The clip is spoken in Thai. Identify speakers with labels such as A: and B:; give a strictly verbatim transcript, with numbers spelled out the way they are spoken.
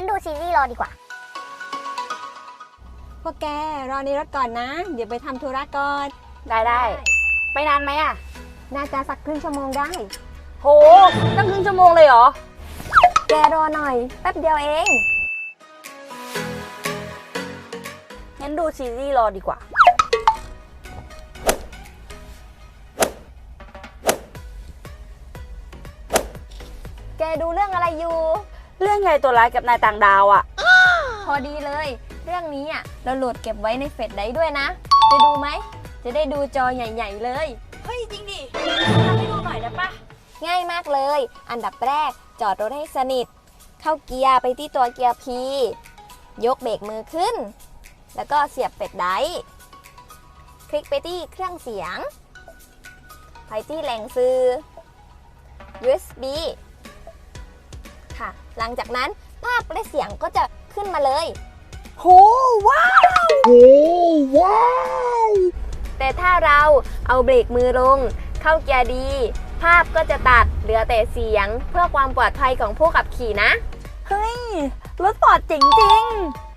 A: งั้นดูซีรีส์รอดีกว่า
B: พวกแกรอในรถก่อนนะ เดี๋ยวไปทำธุระก่อน
C: ได้ได้ไปนานไหมอ่ะ
B: น่าจะสักครึ่งชั่วโมงได้
C: โหตั้งครึ่งชั่วโมงเลยเหรอ
B: แกรอหน่อยแป๊บเดียวเอง
C: งั้นดูซีรีส์รอดีกว่า
B: แกดูเรื่องอะไรอยู่
C: เรื่องไงตัวร้ายกับนายต่างดาวอ่ะ
B: พอดีเลย เรื่องนี้อ่ะเราโหลดเก็บไว้ในเฟซได้ด้วยนะ จะดูไหม จะได้ดูจอใหญ่ๆเลย
C: เฮ้ยจริงดิทำให้ดูหน่อยได้ปะ
B: ง่ายมากเลย อันดับแรกจอดรถให้สนิท เข้าเกียร์ไปที่ตัวเกียร์ P ยกเบรกมือขึ้น แล้วก็เสียบเป็ดไดร์คลิกไปที่เครื่องเสียง ไปที่แหล่งซื้อ ยู เอส บี ค่ะ หลังจากนั้นภาพและเสียงก็จะขึ้นมาเลย
C: โหว้าว
D: โอ้ว้าว
B: แต่ถ้าเราเอาเบรกมือลง เข้าเกียร์ดี ภาพก็จะตัดเหลือแต่เสียงเพื่อความปลอดภัยของผู้ขับขี่นะ
C: เฮ้ยรถปอดเจ๋งจริง